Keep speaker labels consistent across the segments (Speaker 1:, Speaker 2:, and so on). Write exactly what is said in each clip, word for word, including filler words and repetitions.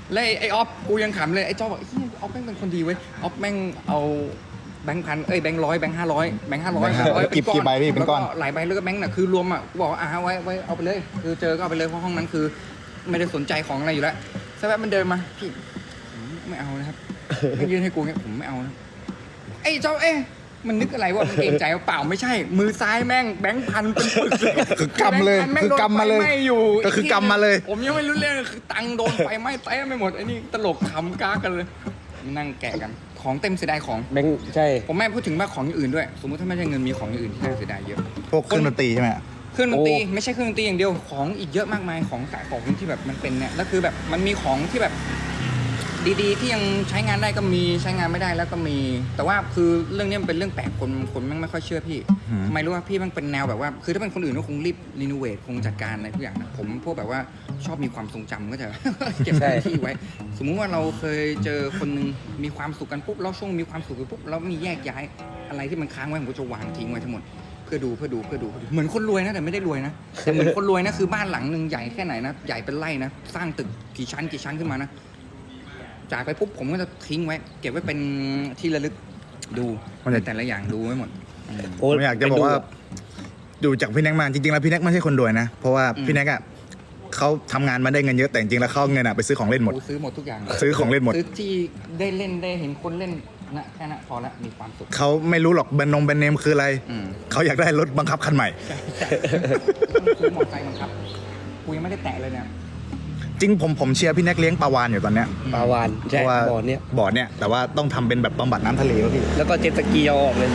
Speaker 1: แล้วไอ้ออฟกูยังขำเลยไอ้เจ้าบอกไอ้ออฟแม่งเป็นคนดีเว้ยออฟแม่งเอาแบงค์พันเอ้ยแบงค์ร้อยแบงค์ห้าร้อยแบงค์ห้าร้อย
Speaker 2: กี่กี่ใบพี่เป็นก้อน
Speaker 1: หลายใบแล้วก็แบงค์น่ะคือรวมอ่ะกูบอกอ่าไว้ไว้เอาไปเลยคือเจอก็เอาไปเลยเพราะห้องนั้นคือไม่ได้สนใจของอะไรอยู่แล้วสักแป๊บมันเดินมาพี่ไม่เอานะครับไม่ยื่นให้กูเงี้ยผมไม่เอานะไอ้เจ้าเอ๊ะมันนึกอะไรว่ามันเกรงใจเปล่าไม่ใช่มือซ้ายแม่งแบงค์พันเป็นปึกเลย
Speaker 2: คือกำเลยคือกำมาเลยก็คือกำมาเลย
Speaker 1: ผมยังไม่รู้เรื่องคือตังโดนไฟไหม้เต้ไม่หมดไอ้นี่ตลกขำก้ากันเลยนั่งแกะกันของเต็มเสียดายของ
Speaker 3: แบงค์ใช่
Speaker 1: ผมไม่พูดถึงว่าของอย่างอื่นด้วยสมมติถ้าไม่ใช่เงินมีของอย่างอื่นที่น่าเสียดายเยอะ
Speaker 2: พวกเครื่องดนตรีใช่ไหม
Speaker 1: เครื่องดนตรีไม่ใช่เครื่องดนตรีอย่างเดียวของอีกเยอะมากมายของสายของที่แบบมันเป็นเนี่ยแล้วคือแบบมันมีของที่แบบดีๆที่ยังใช้งานได้ก็มีใช้งานไม่ได้แล้วก็มีแต่ว่าคือเรื่องนี้มันเป็นเรื่องแปลกคนคนแม่งไม่ค่อยเชื่อพี่ไม่รู้ว่าพี่มันเป็นแนวแบบว่าคือถ้าเป็นคนอื่นก็คงรีบรีโนเวทคงจัดการอะไรทุกอย่างนะผมพวกแบบว่าชอบมีความทรงจำก็จะ เก็บที่ไว้สมมุติว่าเราเคยเจอคนนึงมีความสุขกันปุ๊บแล้วช่วงมีความสุขกันปุ๊บแล้วมีแยกย้ายอะไรที่มันค้างไว้ผมก็จะวางทิ้งไว้ทั้งหมดเพื่อดูเพื่อดูเพื่อดูเหมือนคนรวยนะแต่ไม่ได้รวยนะแต่เหมือนคนรวยนะคือบ้านหลังนึงใหญ่แค่ไหนนะใหญ่เป็นไร่นะสร้างตึกกี่ชั้นกี่ชั้นขึ้นมานะจากไปปุ๊บผมก็จะทิ้งไว้เก็บไว้เป็นที่ระลึกดูแต่ละอย่างดูไว้หมด
Speaker 2: ผมอยากจะบอกว่าดูจากพี่แน็กมาจริงๆแล้วพี่แน็กไม่ใช่คนรวยนะเพราะว่าพี่แน็กอ่ะเขาทำงานมาได้เงินเยอะแต่จริงๆแล้วเขาเงินอ่ะไปซื้อของเล่นหมด
Speaker 1: ซื้อหมดทุกอย่าง
Speaker 2: ซื้อของเล่นหมด
Speaker 1: ซื้อที่ได้เล่นได้เห็นคนเล่นนะแค่นั้นพอละมีความสุข
Speaker 2: เขาไม่รู้หรอกแบรนด์นงแบรนด์เนมคืออะไรเขาอยากได้รถบังคับคันใหม่
Speaker 1: ซื้อมอเตอร์ไซค์บังคับกูยังไม่ได้แตะเลยเนี่ย
Speaker 2: จริงผมผมเชียร์พี่แน็กเลี้ยงปลาวานอยู่ตอนเนี้ย
Speaker 3: ปลาวานใช่บ่อเนี้ย
Speaker 2: บ่อเนี้ยแต่ว่าต้องทำเป็นแบบบำบัดน้ำทะเลแล้วพี่
Speaker 3: แล้วก็เจ็ตสกีเอาออกเลย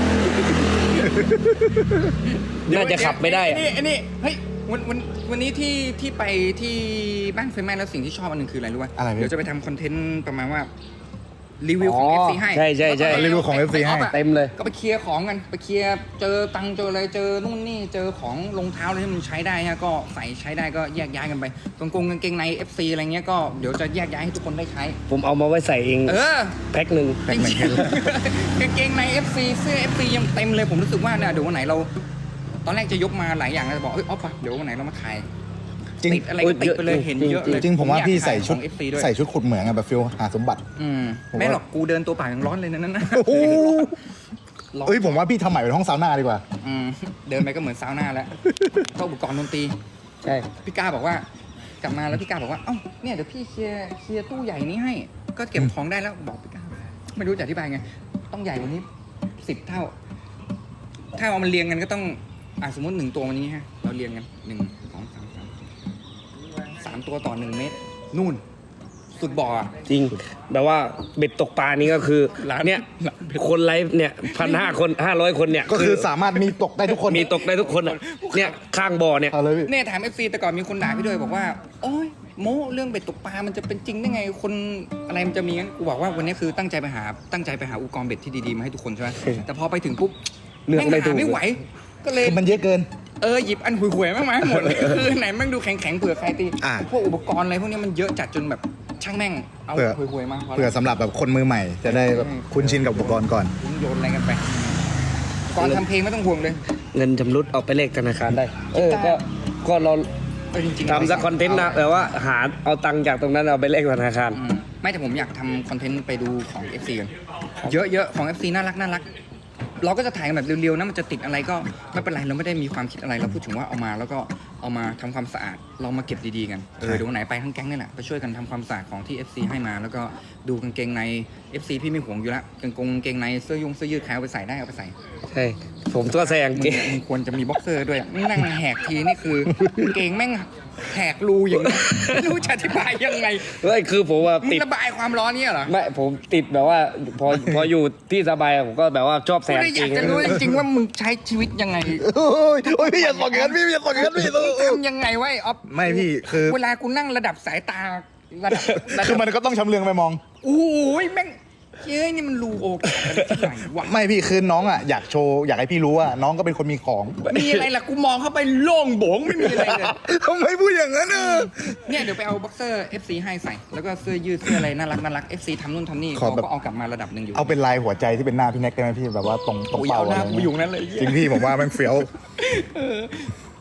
Speaker 3: น่าจะขับไม่ได้
Speaker 1: นี่อันนี้เฮ้ยวันวันวันนี้ที่ที่ไปที่บ้านไฟไหม้แล้วสิ่งที่ชอบอันหนึ่งคืออะไรรู้ป่ะเดี๋ยวจะไปทำคอนเทนต์ประมาณว่ารีวิวของ เอฟ ซี ให้
Speaker 3: ใช่ใช่ใช่
Speaker 2: รีวิวของ เอฟ ซี ให้
Speaker 3: เต็มเลย
Speaker 1: ก็ไปเคลียร์ของกันไปเคลียร์เจอตังเจออะไรเจอนู่นนี่เจอของรองเท้าอะไรที่มันใช้ได้ฮะก็ใส่ใช้ได้ก็แยกย้ายกันไปกางกงกางเกงใน เอฟ ซี อะไรเงี้ยก็เดี๋ยวจะแยกย้ายให้ทุกคนได้ใช้
Speaker 3: ผมเอามาไว้ใส่เอง
Speaker 1: เออ
Speaker 3: แพ็คหนึ่ง
Speaker 1: กางเกงใน เอฟ ซี เสื้อ เอฟ ซี ยังเต็มเลยผมรู้สึกว่าเนี่ยเดี๋ยววันไหนเราตอนแรกจะยกมาหลายอย่างแล้วจะบอกเอ้ยอ๊อฟเดี๋ยววันไหนเรามาถ่ายติดอะไรก็ติดไปเลยเห็นเยอะเลย
Speaker 2: จริงผมว่าพี่ใส่ชุดใส่ชุดขุดเหมืองอะแบบฟิลหาสมบัติ
Speaker 1: อืมไม่หรอกกูเดินตัวเปล่ายังร้อนเลยนั่นนะ
Speaker 2: โอ้เอ้ยผมว่าพี่ทำใหม่เป็นห้องซาวน่าดีกว่า
Speaker 1: อืมเดินไปก็เหมือนซาวน่าแล้วก็อุปกรณ์ดนตรี
Speaker 3: ใช่
Speaker 1: พี่กาบอกว่ากลับมาแล้วพี่กาบอกว่าเอ้าเนี่ยเดี๋ยวพี่เคลียร์เคลียร์ตู้ใหญ่นี้ให้ก็เก็บของได้แล้วบอกพี่กาไม่รู้จะอธิบายไงต้องใหญ่กว่านี้สิบเท่าถ้าเอามันเรียงกันก็ต้องอ่ะสมมติหนึ่งตัววันนี้ฮะเราเรียงกันหนึ่งสองสามสามสามตัวต่อหนึ่งเมตรนู่นสุดบ่อ
Speaker 3: จริงแบบว่าเบ็ดตกปลานี่ก็คือเนี่ยคนไลฟ์เนี่ยพันห้าคนห้าร้อยคนเนี่ย
Speaker 2: ก็คือสามารถมีตกได้ทุกคน
Speaker 3: มีตกได้ทุกคนอ่ะเนี่ยข้างบ่อเนี่ย
Speaker 1: เนี่ยถาม เอฟ ซี แต่ก่อนมีคนด่าพี่ด้วยบอกว่าโอ้ยโม้เรื่องเบ็ดตกปลามันจะเป็นจริงได้ไงคนอะไรมันจะมีงั้นกูบอกว่าวันนี้คือตั้งใจไปหาตั้งใจไปหาอุปกรณ์เบ็ดที่ดีๆมาให้ทุกคนใช่ไหมแต่พอไปถึงปุ๊บ
Speaker 3: เลือกไม่ถูก
Speaker 1: ไม่ไหวก็เลย
Speaker 2: มันเยอะเกิน
Speaker 1: เออหยิบอันห่วยๆมากมาหมดเลยคือไหนแม่งดูแข็งๆเผื่อใครตีพวกอุปกรณ์อะไรพวกนี้มันเยอะจัดจนแบบช่างแม่งเอาห่วยๆมา
Speaker 2: เผื่อสำหรับแบบคนมือใหม่จะได้แบบคุ้นชินกับอุปกรณ์ก่อน
Speaker 1: โยนอะไรกันไปก่อนทำเพลงไม่ต้องห่วงเลย
Speaker 3: เงินชำรุดเอาไปเลขธนาคารได้เออก็ก็เราทำสักคอนเทนต์นะแต่ว่าหาเอาตังค์จากตรงนั้นเอาไปเลขธนาคาร
Speaker 1: ไม่แต่ผมอยากทำคอนเทนต์ไปดูของ เอฟ ซี กันเยอะๆของ เอฟ ซี น่ารักน่ารักเราก็จะถ่ายกันแบบเร็วๆนะมันจะติดอะไรก็ไม่เป็นไรเราไม่ได้มีความคิดอะไรเราพูดถึงว่าเอามาแล้วก็เอามาทำความสะอาดเรามาเก็บดีๆกันเออเดี๋ยวไหนไปทั้งแก๊งนี่แหละไปช่วยกันทำความสะอาดของที่ เอฟ ซี ให้มาแล้วก็ดูกางเกงใน เอฟ ซี พี่ไม่ห่วงอยู่แล้วกางกงกางเกงในเสื้อยุงเสื้อยืดใครเอาไปใส่ได้เอาไปใส่
Speaker 3: ใช่ผมตัวแซงเกง
Speaker 1: มึงควรจะมีบ็อกเซอร์ด้วยนั่งแหกทีนี่คือกางเกงแม่งแหกรูอย่างนี้ไม่รู้จะอธิบายยังไง
Speaker 3: เฮ้ยคือผมว่า
Speaker 1: ติดระบายความร้อนเนี่ยเหรอ
Speaker 3: ไม่ผมติดแบบว่าพอพออยู่ที่สบายผมก็แบบว่าชอบแซง
Speaker 1: จริงอยากจะรู้จริงๆว่ามึงใช้ชีวิตยังไง
Speaker 2: โอ้ยพี่อย่าสอนกันพี่อย่าสอนกันพี่
Speaker 1: ทำยังไงวะออฟ
Speaker 2: ไม่พี่คือ
Speaker 1: เวลากูนั่งระดับสายตาระดับ
Speaker 2: คือมันก็ต้องชำเลืองไปมอง
Speaker 1: โอ้ยแม่งเฮ้ยนี่มันรูโอกที่ไหนวะ
Speaker 2: ไม่พี่คือน้องอ่ะอยากโชว์อยากให้พี่รู้ว่าน้องก็เป็นคนมีของ
Speaker 1: มีอะไรล่ะกูมองเข้าไปโล่งโบงไม่มีอะไรเลย
Speaker 2: ทำไมพูดอย่างนั้นเออ
Speaker 1: เนี่ยเดี๋ยวไปเอาบ็อกเซอร์ เอฟ ซี ให้ใส่แล้วก็เสื้อยืดเสื้ออะไรน่ารักน่ารัก เอฟ ซี ทำนู่นทำนี่เขาก็เอากลับมาระดับหนึ่งอยู่
Speaker 2: เอาเป็นลายหัวใจที่เป็นหน้าพี่แน็กได้ไหมพี่แบบว่าตรงตรงเป้าอะไร
Speaker 1: อยู่นั้นเลย
Speaker 2: จริงพี่ผมว่ามันเฟี้ยว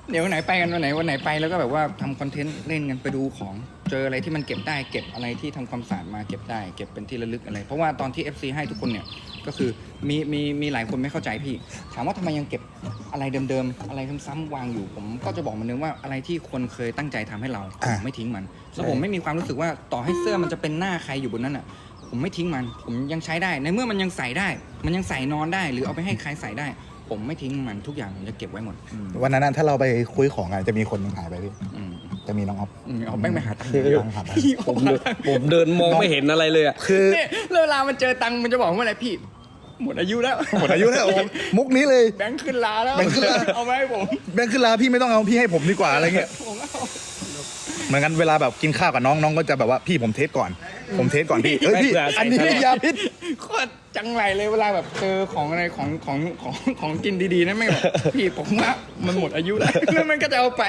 Speaker 1: เดี๋ยววันไหนไปกันวันไหนวันไหนไปแล้วก็แบบว่าทำคอนเทนต์เล่นกันไปดูของเจออะไรที่มันเก็บได้เก็บอะไรที่ทำความสะอาดมาเก็บได้เก็บเป็นที่ระลึกอะไร เพราะว่าตอนที่ เอฟ ซี ให้ทุกคนเนี่ยก็คือมีมีมีหลายคนไม่เข้าใจพี่ถามว่าทำไมยังเก็บอะไรเดิมๆอะไรซ้ำๆวางอยู่ผมก็จะบอกมันนึงว่าอะไรที่คนเคยตั้งใจทำให้เราผมไม่ทิ้งมัน แล้วผมไม่มีความรู้สึกว่าต่อให้เสื้อมันจะเป็นหน้าใครอยู่บนนั้นอ่ะผมไม่ทิ้งมันผมยังใช้ได้ในเมื่อมันยังใส่ได้ มันยังใส่นอนได้ หรือเอาไปให้ใครใส่ได้ ผมไม่ทิ้งมันทุกอย่างผมจะเก็บไว้หมดอืม
Speaker 2: วันนั้นนะถ้าเราไปคุยของอ่ะจะมีคนหนึงหายไปพี่
Speaker 1: อืม
Speaker 2: จะมีน้องอ๊อฟ
Speaker 1: อืมเอาแป้งไปหาตังค์
Speaker 2: ตังค์หายไป
Speaker 3: ผมเดินผมเดินมองไม่เห็นอะไรเลยอ่ะ
Speaker 2: คือ
Speaker 1: เนี่ยแล้วเวลามันเจอตังค์มันจะบอกว่าอะไรพี่ หมดอายุแล้ว
Speaker 2: หมดอายุแล้วผมมุกนี้เลย
Speaker 1: แบงค์ขึ้นลาแล้ว
Speaker 2: แบงค์ขึ้นลา
Speaker 1: เอาไหมาให้ผม
Speaker 2: แบงค์ขึ้นลาพี่ไม่ต้องเอาพี่ให้ผมดีกว่าอะไรเงี้ย
Speaker 1: ผมเอา
Speaker 2: เหมือนกันเวลาแบบกินข้าวกับน้องน้องก็จะแบบว่าพี่ผมเทสก่อน ผมเทสก่อนพี่เอ้ยพี่
Speaker 3: ไม่เผื่อใส่
Speaker 2: อันนี้
Speaker 3: ตลอด
Speaker 2: ยาพิษ
Speaker 1: โคตรจังไรเลยเวลาแบบเจอของอะไรของของของของกินดีๆนะไม่งแบบพี่ผมว่ามันหมดอายุแล้ว แล้วมันก็จะเอาไป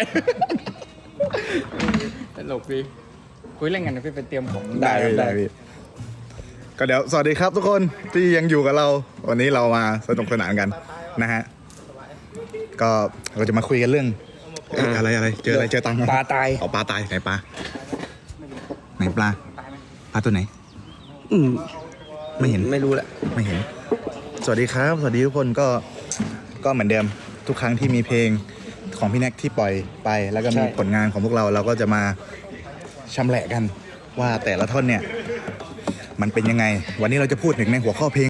Speaker 1: ตลกดีคุยเล่นกันนะพี่ไปเตรียมของ
Speaker 2: ได้พี่ได้พี่ก็เดี๋ยวสวัสดีครับทุกคนที่ยังอยู่กับเรา วันนี้เรามาสนุกสนานกันนะฮะก็เราจะมาคุยกันเรื่องเอ้ยอะไรอะไรเจออะไรเจอตังค์
Speaker 3: ปลาตาย
Speaker 2: เอาปลาตายไหนปลาไหนปลาปลาตัวไหน
Speaker 3: อืม
Speaker 2: ไม่เห็น
Speaker 3: ไม่รู้แหละ
Speaker 2: ไม่เห็น สวัสดีครับ สวัสดีทุกคนก็ก็เหมือนเดิมทุกครั้งที่มีเพลงของพี่แน็กที่ปล่อยไป แล้วก็มี
Speaker 3: ใช่
Speaker 2: ผลงานของพวกเราเราก็จะมาชำแหละกันว่าแต่ละท่อนเนี่ย มันเป็นยังไง วันนี้เราจะพูดถึงในหัวข้อเพลง